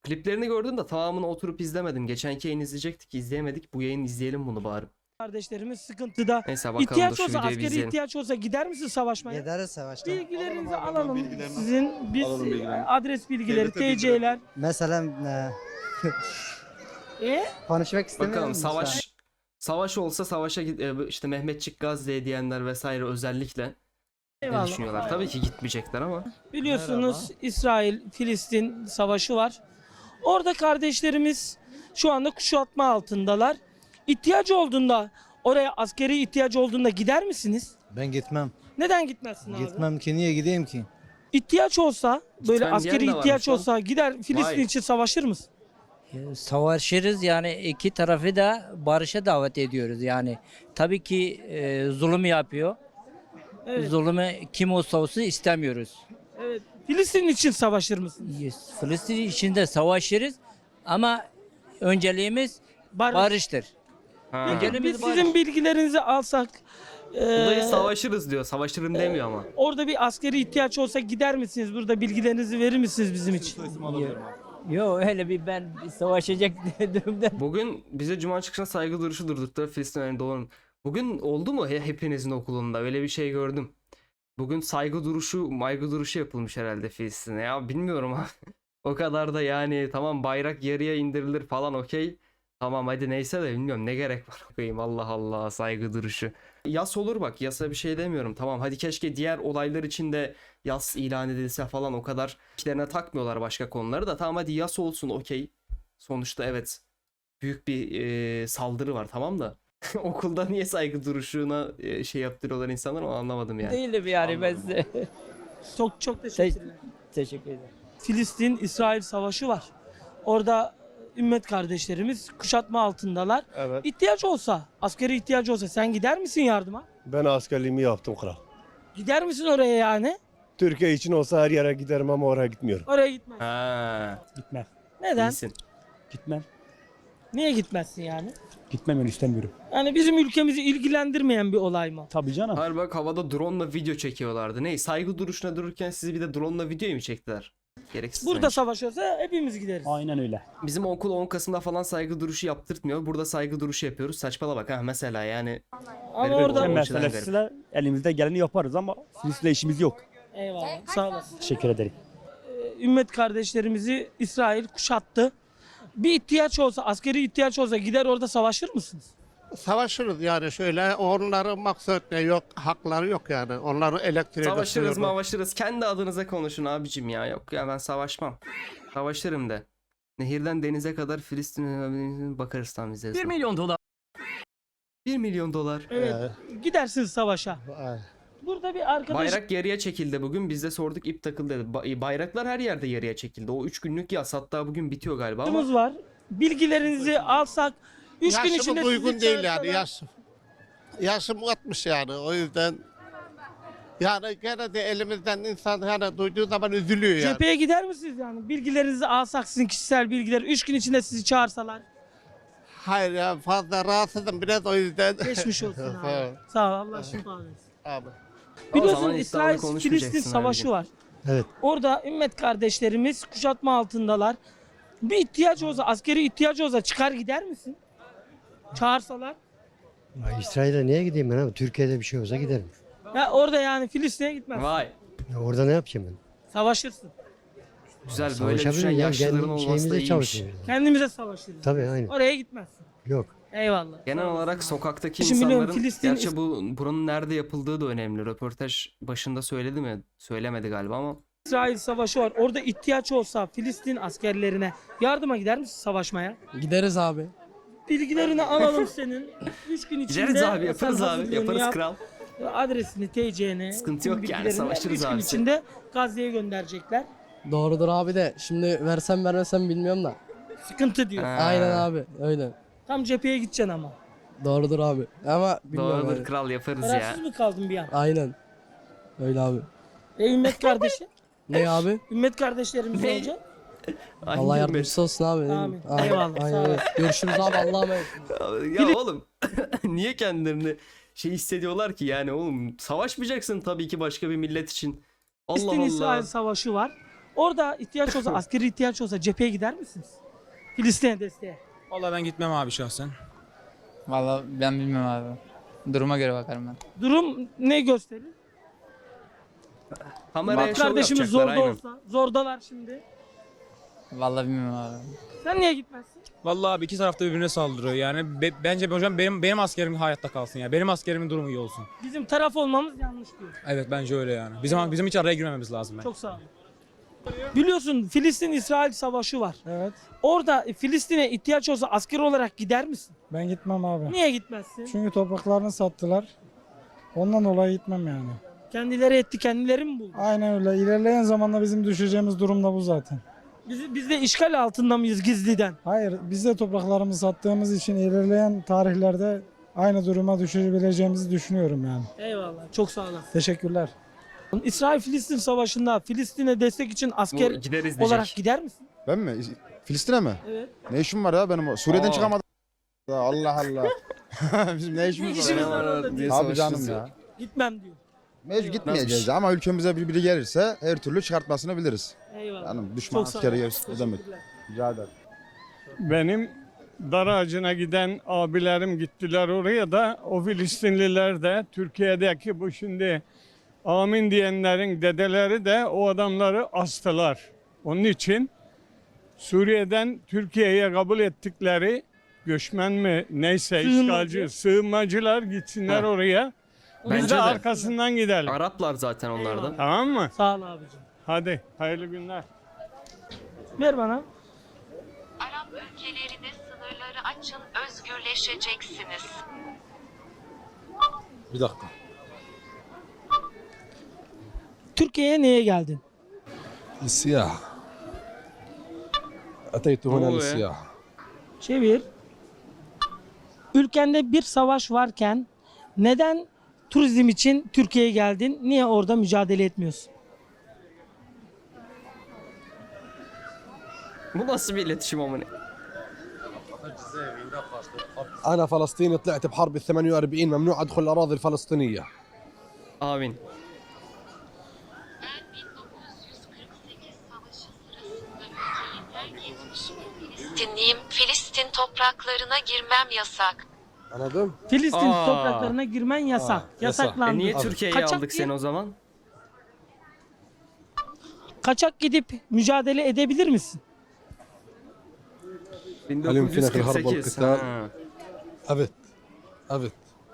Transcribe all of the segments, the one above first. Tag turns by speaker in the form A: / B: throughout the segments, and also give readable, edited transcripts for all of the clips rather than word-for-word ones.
A: Kliplerini gördüm de tamamını oturup izlemedim. Geçenki yayın izleyecektik, izleyemedik. Bu yayın izleyelim bunu bari.
B: Kardeşlerimiz sıkıntıda.
A: Neyse bakalım, dur
B: İhtiyaç
A: şu
B: olsa,
A: videoyu bir
B: askeri
A: izleyelim.
B: ihtiyaç olsa gider misin savaşmaya?
C: Gideriz savaşta.
B: Bilgilerinizi
D: Alalım abi,
B: alalım.
D: bilgilerini.
B: Sizin biz
D: Alalım bilgilerini.
B: adres bilgileri,
D: Devlete bilgileri.
B: TC'ler.
C: Mesela konuşmak istemiyorum.
A: Bakalım savaş olsa savaşa işte Mehmetçik Gazze'ye diyenler vesaire özellikle ne
B: Eyvallah.
A: düşünüyorlar? Tabii ki gitmeyecekler ama.
B: Biliyorsunuz İsrail-Filistin savaşı var. Orada kardeşlerimiz şu anda kuşatma altındalar. İhtiyacı olduğunda, oraya askeri ihtiyacı olduğunda gider misiniz?
E: Ben gitmem.
B: Neden gitmezsin abi?
E: Gitmem ki, niye gideyim ki?
B: İhtiyaç olsa, böyle
A: Gitmem
B: askeri
A: diyen de
B: ihtiyaç
A: varmış lan.
B: olsa gider Filistin
A: Vay.
B: için savaşır mısın?
F: Savaşırız, yani iki tarafı da barışa davet ediyoruz yani. Tabii ki zulüm yapıyor.
B: Evet.
F: Zulümü kim olsa olsun istemiyoruz.
B: Evet. Filistin için savaşır mısın?
F: Filistin içinde savaşırız ama önceliğimiz
B: Barış.
F: barıştır.
A: Ha.
F: Önceliğimiz
B: Biz
F: barış.
B: sizin bilgilerinizi alsak,
A: Buradayı savaşırız diyor. Savaşırım demiyor ama.
B: orada bir askeri ihtiyaç olsa gider misiniz? Burada bilgilerinizi verir misiniz bizim için?
F: Yok, öyle ben savaşacak durumda.
A: Bugün bize Cuma çıkışına saygı duruşu durdurttular Filistin önünde olan. Bugün oldu mu hepinizin okulunda? Öyle bir şey gördüm. Bugün saygı duruşu yapılmış herhalde Filistin'e. Ya bilmiyorum ha. O kadar da yani, tamam bayrak yarıya indirilir falan, okey. Tamam hadi neyse de bilmiyorum ne gerek var. Koyayım, Allah Allah, saygı duruşu. Yas olur bak, yasa bir şey demiyorum. Tamam hadi keşke diğer olaylar için de yas ilan edilse falan, o kadar işlerine takmıyorlar başka konuları da. Tamam hadi yas olsun, okey. Sonuçta evet büyük bir saldırı var, tamam da. Okulda niye saygı duruşuna şey yaptırıyorlar insanlar, onu anlamadım yani.
F: Değilim yani ben size.
B: Çok teşekkürler.
F: Teşekkür ederim.
B: Filistin-İsrail savaşı var. Orada ümmet kardeşlerimiz kuşatma altındalar.
D: Evet.
B: İhtiyaç olsa, askeri ihtiyaç olsa sen gider misin yardıma?
D: Ben askerliğimi yaptım kral.
B: Gider misin oraya yani?
D: Türkiye için olsa her yere giderim ama oraya gitmiyorum.
B: Oraya gitmez.
A: Ha,
G: Gitmem.
B: Neden?
A: iyisin.
G: Gitmem.
B: Niye gitmezsin yani?
G: Gitmem, ben istemiyorum.
B: Yani bizim ülkemizi ilgilendirmeyen bir olay mı?
G: Tabii canım.
A: Hayır bak, havada drone'la video çekiyorlardı. Ne? Saygı duruşuna dururken sizi bir de drone'la video mu çektiler? Gereksiz
B: Burada
A: bence.
B: savaş olsa hepimiz gideriz.
G: Aynen öyle.
A: Bizim okul 10 Kasım'da falan saygı duruşu yaptırtmıyor. Burada saygı duruşu yapıyoruz. Saçmala bak ha, mesela yani.
B: Ama
A: Garip
B: orada...
A: oldu.
G: Ben
A: açıdan
G: meselesiyle elimizde geleni yaparız ama Filistin'le işimiz yok.
B: Eyvallah. Sağ olasın.
G: Teşekkür ederim.
B: Ümmet kardeşlerimizi İsrail kuşattı. Bir ihtiyaç olsa, askeri ihtiyaç olsa gider orada savaşır mısınız?
H: Savaşırız yani şöyle, onların maksat ne yok, hakları yok yani. Onların elektriğe
A: Savaşırız
H: götürüyorlar.
A: mavaşırız. Kendi adınıza konuşun abicim ya. Yok ya, ben savaşmam. Savaşırım de. Nehirden denize kadar Filistin'e bakarız tam bize.
I: 1 milyon dolar.
A: 1 milyon dolar.
B: Evet. Gidersiniz savaşa.
H: Ay.
B: Burada bir arkadaş...
A: Bayrak yarıya çekildi bugün. Biz de sorduk, ip takıldı dedi. Bayraklar her yerde yarıya çekildi. O 3 günlük yas hatta bugün bitiyor galiba ama.
B: Arkadaşımız var. Bilgilerinizi alsak 3 gün
H: Yaşım
B: içinde
H: uygun
B: sizi
H: değil yani,
B: çağırsalar-
H: yaşım 60 yani, o yüzden yani gene de elimizden insan yani duyduğu zaman üzülüyor yani.
B: Cepheye gider misiniz yani? Bilgilerinizi alsak, sizin kişisel bilgiler 3 gün içinde sizi çağırsalar.
H: Hayır ya, fazla rahatsızım biraz, o yüzden.
B: Geçmiş olsun abi.
H: Evet.
B: Sağ ol, Allah şifa versin.
H: Abi.
B: Biliyorsun
A: zaman iddialı
B: İsrail-Filistin
A: konuşmayacaksın
B: savaşı
A: abicim.
B: var.
E: Evet.
B: Orada ümmet kardeşlerimiz kuşatma altındalar. Bir ihtiyaç olsa, askeri ihtiyaç olsa çıkar gider misin? Çağırsalar.
C: Ya İsrail'e niye gideyim ben abi? Türkiye'de bir şey olsa giderim.
B: Ya orada yani Filistin'e gitmez.
A: Vay.
C: Ya orada ne yapacağım ben?
B: Savaşırsın.
A: Güzel, böyle
C: Savaşabilirim
A: düşen
C: ya.
A: yaşlıların
C: Kendi
A: olması da
C: şeyimizde
A: iyiymiş.
C: çalışıyorum.
B: Kendimize savaşırız.
C: Tabii aynen.
B: Oraya gitmezsin.
C: Yok.
B: Eyvallah.
A: Genel
B: Sağ olasın
A: olarak
B: abi.
A: sokaktaki
B: Şimdi biliyorum,
A: insanların,
B: Filistin-
A: gerçi buranın nerede yapıldığı da önemli. Röportaj başında söyledi mi? Söylemedi galiba ama.
B: İsrail savaşı var. Orada ihtiyaç olsa Filistin askerlerine yardıma gider misin savaşmaya?
I: Gideriz abi.
B: Bilgilerini alalım senin. 3 gün içinde
A: Gideriz abi, yaparız
B: sen
A: abi.
B: hazırlığını
A: Yaparız
B: yap.
A: kral.
B: Adresini, TC'ni,
A: Sıkıntı yok yani,
B: bilgilerini
A: savaşırız
B: 3 gün
A: abi.
B: içinde Gazze'ye gönderecekler.
I: Doğrudur abi de şimdi versem vermesem bilmiyorum da.
B: Sıkıntı diyor.
A: Ha,
I: Aynen abi öyle.
B: Tam cepheye gideceksin ama.
I: Doğrudur abi. Ama bilmiyorum
A: Doğrudur
I: abi.
A: kral, yaparız ya.
B: Kararsız mı kaldın bir an?
I: Aynen. Öyle abi.
B: Ümmet kardeşi.
I: Ne abi?
B: Ümmet kardeşlerimiz
A: Ne?
B: olacak.
A: Aynı
I: Allah
A: gün
I: yardımcısı olsun abi.
B: Amin.
I: Aynen.
B: Eyvallah,
I: Aynen
B: sağ
I: öyle.
B: olasın.
I: Görüşürüz abi, Allah'a emanet.
A: Ya oğlum niye kendilerini şey hissediyorlar ki yani oğlum, savaşmayacaksın tabii ki başka bir millet için. Allah
B: Filistin-İsrail
A: Allah.
B: savaşı var. Orada ihtiyaç olsa, askeri ihtiyaç olsa cepheye gider misiniz? Filistin'e desteğe.
E: Vallahi ben gitmem abi şahsen.
J: Vallahi ben bilmem abi. Duruma göre bakarım ben.
B: Durum ne gösterir?
A: Kameraya
B: Bak
A: şov
B: kardeşimiz
A: yapacaklar,
B: zorda
A: aynen.
B: olsa, zordalar şimdi.
J: Vallahi bilmem abi.
B: Sen niye gitmezsin?
E: Vallahi abi iki tarafta birbirine saldırıyor. Yani bence hocam benim askerimin hayatta kalsın ya. Benim askerimin durumu iyi olsun.
B: Bizim taraf olmamız yanlış diyor.
E: Evet bence öyle yani. Bizim hiç araya girmememiz lazım ben.
B: Çok sağ olun. Biliyorsun Filistin-İsrail savaşı var.
K: Evet.
B: Orada Filistin'e ihtiyaç olsa asker olarak gider misin?
K: Ben gitmem abi.
B: Niye gitmezsin?
K: Çünkü topraklarını sattılar. Ondan dolayı gitmem yani.
B: Kendileri etti, kendileri mi buldu?
K: Aynen öyle. İlerleyen zamanda bizim düşeceğimiz durum da bu zaten.
B: Biz de işgal altında mıyız gizliden?
K: Hayır, biz de topraklarımızı sattığımız için ilerleyen tarihlerde aynı duruma düşebileceğimizi düşünüyorum yani.
B: Eyvallah. Çok sağ olasın.
K: Teşekkürler.
B: İsrail-Filistin savaşında Filistin'e destek için asker
A: Bu gideriz diyecek.
B: olarak gider misin?
L: Ben mi? Filistin'e mi?
B: Evet.
L: Ne işim var ya benim? Suriye'den
A: Aa.
L: çıkamadım. Allah Allah. Bizim ne
B: Ne
L: işimiz var
B: işimiz
L: ya?
B: var orada diyor.
L: Abi canım ya.
B: Gitmem diyor.
L: Mecbur gitmeyeceğiz ama ülkemize biri gelirse her türlü çıkartmasını biliriz.
B: Eyvallah.
L: Hanım düşman
B: Çok sağ
L: askeri
B: olun.
L: gelsin ne demek?
B: Teşekkürler.
L: Rica ederim.
K: Benim dar ağacına giden abilerim gittiler oraya da o Filistinliler de Türkiye'deki bu şimdi amin diyenlerin dedeleri de o adamları astılar. Onun için Suriye'den Türkiye'ye kabul ettikleri göçmen mi neyse
B: Sığınmacı.
K: işgalci sığınmacılar gitsinler
A: Ha.
K: oraya. Biz
A: Bence
K: de
A: de.
K: arkasından gidelim.
A: Araplar zaten onlar da.
B: Eyvallah.
K: Tamam mı?
B: Sağ ol abicim.
K: Hadi hayırlı günler.
B: Ver bana.
M: Arap ülkelerine sınırları açın, özgürleşeceksiniz.
L: Bir dakika.
B: Türkiye'ye neye geldin?
L: Siyah. Ateytu
A: huna lissiyah.
B: Çevir. Ülkende bir savaş varken neden turizm için Türkiye'ye geldin? Niye orada mücadele etmiyorsun?
A: Bu nasıl bir iletişim amına?
L: أنا فلسطيني طلعت بحرب ال 48 ممنوع أدخل الأراضي الفلسطينية.
A: Amin.
M: Ben 1948 savaşı sırasında ülkeyi terk etmiş bir Filistinliyim. Filistin topraklarına girmem yasak.
L: Anladın?
B: Filistin
A: Aa.
B: topraklarına girmen yasak.
L: yasak.
B: Yasaklandı.
A: Niye Türkiye'ye
B: Kaçak
A: aldık
B: diye-
A: seni o zaman?
B: Kaçak gidip mücadele edebilir misin?
A: 1948. Ha.
L: أبت أبت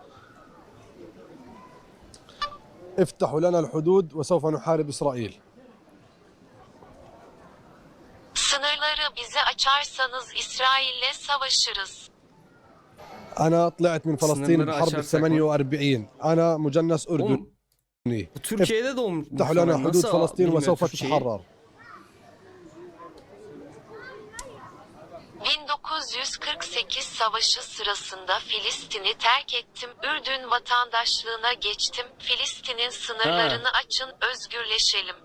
L: افتحوا لنا الحدود وسوف نحارب إسرائيل.
M: Sınırları bize açarsanız İsrail'le savaşırız.
L: أنا طلعت من فلسطين
A: سنمرة
L: بحرب ال 48. أنا مجنس أردني.
A: Oğlum, bu Türkiye'de doğmuş.
L: افتحوا لنا حدود
A: Nasıl
L: فلسطين
A: bilmiyor
L: وسوف
A: Türkçeyi?
L: تتحرر.
M: 1948 savaşı sırasında Filistin'i terk ettim. Ürdün vatandaşlığına geçtim. Filistin'in sınırlarını açın, özgürleşelim.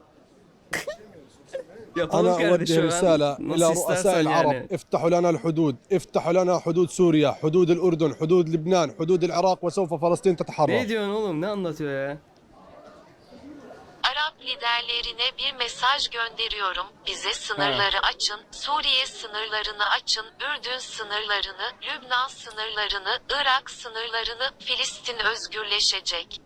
A: Yapalım
L: أنا أوجه
A: kardeşim.
L: رسالة إلى
A: Nasıl
L: رؤساء
A: istersen
L: العرب
A: yani.
L: افتحوا لنا الحدود افتحوا لنا حدود سوريا حدود الأردن حدود لبنان حدود العراق وسوف فلسطين تتحرر.
A: Ne diyorsun oğlum? Ne anlatıyor ya?
M: Arap liderlerine bir mesaj gönderiyorum. Bize sınırları açın, Suriye sınırlarını açın, Ürdün sınırlarını, Lübnan sınırlarını, Irak sınırlarını, Filistin özgürleşecek.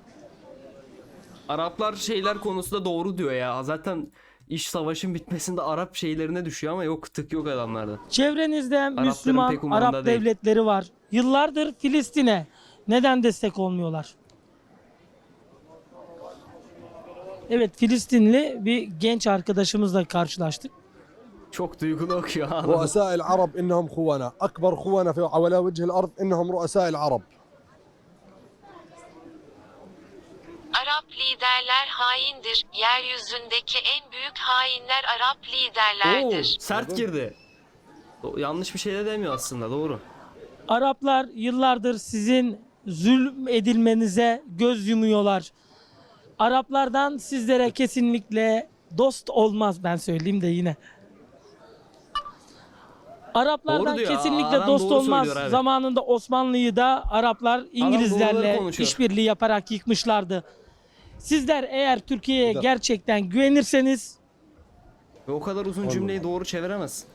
A: Araplar şeyler konusunda doğru diyor ya. Zaten iş savaşın bitmesinde Arap şeylerine düşüyor ama yok tık yok adamlarda.
B: Çevrenizde
A: pek
B: Müslüman
A: umurunda
B: Arap
A: değil.
B: devletleri var. Yıllardır Filistin'e neden destek olmuyorlar? Evet, Filistinli bir genç arkadaşımızla karşılaştık.
A: Çok duygulu okuyor.
L: رؤساء العرب إنهم خونة أكبر خونة في على وجه الأرض إنهم رؤساء العرب.
M: Arap liderler haindir. Yeryüzündeki en büyük hainler Arap
A: Oo,
M: liderlerdir.
A: sert girdi. Yanlış bir şey de demiyor aslında, doğru.
B: Araplar yıllardır sizin zulüm edilmenize göz yumuyorlar. Araplardan sizlere kesinlikle dost olmaz, ben söyleyeyim de yine. Araplardan
A: Doğru diyor,
B: kesinlikle
A: adam
B: dost
A: doğru
B: olmaz.
A: söylüyor abi.
B: Zamanında Osmanlı'yı da Araplar
A: doğruları
B: İngilizlerle
A: konuşuyor.
B: işbirliği yaparak yıkmışlardı. Sizler eğer Türkiye'ye
L: Bir dakika.
B: gerçekten güvenirseniz
A: Ve o kadar uzun
D: Olmadı.
A: cümleyi doğru çeviremezsin.